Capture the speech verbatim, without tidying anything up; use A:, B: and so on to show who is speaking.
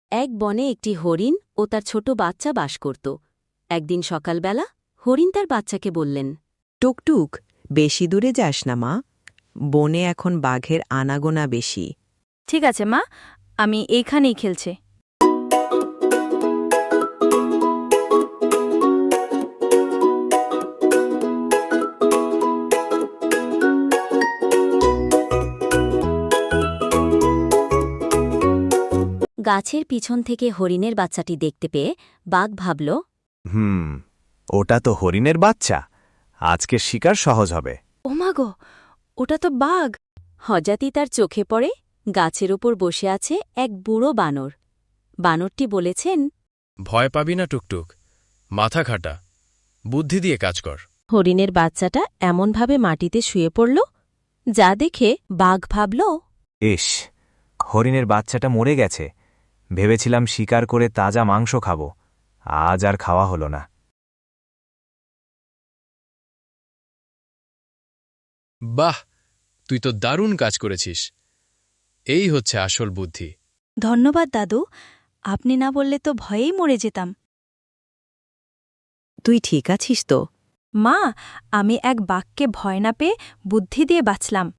A: এক বনে একটি হরিণ ও তার ছোট বাচ্চা বাস করত। একদিন সকালবেলা হরিণ তার বাচ্চাকে বললেন,
B: টুকটুক, বেশি দূরে যাস না মা, বনে এখন বাঘের আনাগোনা বেশি।
C: ঠিক আছে মা, আমি এইখানেই খেলছে।
A: গাছের পিছন থেকে হরিণের বাচ্চাটি দেখতে পেয়ে বাঘ ভাবল,
D: হুম ওটা তো হরিণের বাচ্চা, আজকের শিকার সহজ হবে।
C: ওমাগো, ওটা তো বাঘ।
A: হঠাৎই তার চোখে পড়ে গাছের ওপর বসে আছে এক বুড়ো বানর। বানরটি বলেছেন,
E: ভয় পাবি না টুকটুক, মাথা খাটা, বুদ্ধি দিয়ে কাজ কর।
A: হরিণের বাচ্চাটা এমনভাবে মাটিতে শুয়ে পড়ল, যা দেখে বাঘ ভাবল,
D: ইস, হরিণের বাচ্চাটা মরে গেছে। ভেবেছিলাম শিকার করে তাজা মাংস খাব, আজ আর খাওয়া হলো না।
E: বাহ, তুই তো দারুণ কাজ করেছিস। এই হচ্ছে আসল বুদ্ধি।
C: ধন্যবাদ দাদু, আপনি না বললে তো ভয়েই মরে যেতাম।
B: তুই ঠিক আছিস তো?
C: মা, আমি এক বাঘকে ভয় না পেয়ে বুদ্ধি দিয়ে বাঁচলাম।